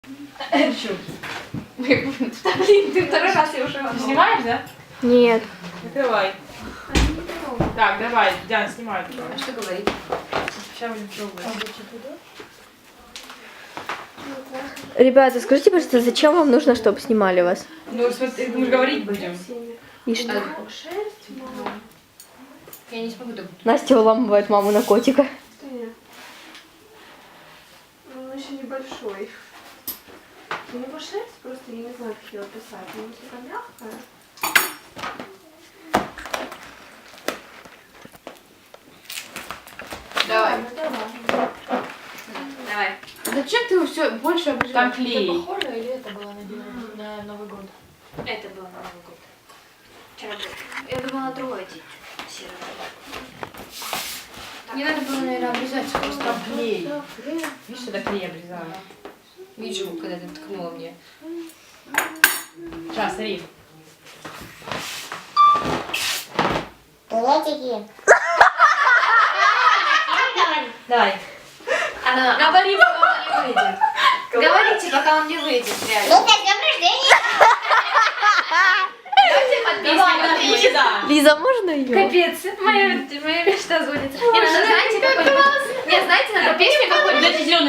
Блин, ты второй раз я уже Ты снимаешь, да? Нет. Открывай. Так, давай, Диана, снимай. А что говорить? Сейчас будем пробовать. Ребята, скажите, пожалуйста, зачем вам нужно, чтобы снимали вас? Ну, смотри, мы же говорить будем. И что? Шерсть, мама. Я не смогу так. Настя уламывает маму на котика. Ну, он еще небольшой. У него шерсть просто, я не знаю, как ее описать. У него такая мягкая. Давай. Ну, давай. Давай. Зачем ты все больше обрежаешь? Там клей. Это похоже или это было на Новый год? Это было на Новый год. Вчера было. Я думала, другой день. Серый. Не надо было, наверное, обрезать просто. Там клей. Да, блин. Видишь, это клей обрезаю. Видишь, когда ты ткнула мне. Сейчас, смотри. Туалетики. Давай. Она... Говори, пока он не выйдет. Говорите, пока он не выйдет, реально. Лиза, с днем рождения. Давайте под песню. Лиза, можно ее? Капец, моя мечта звонит. Не, ну знаете, какой-нибудь... Не, знаете, надо песню какую-нибудь...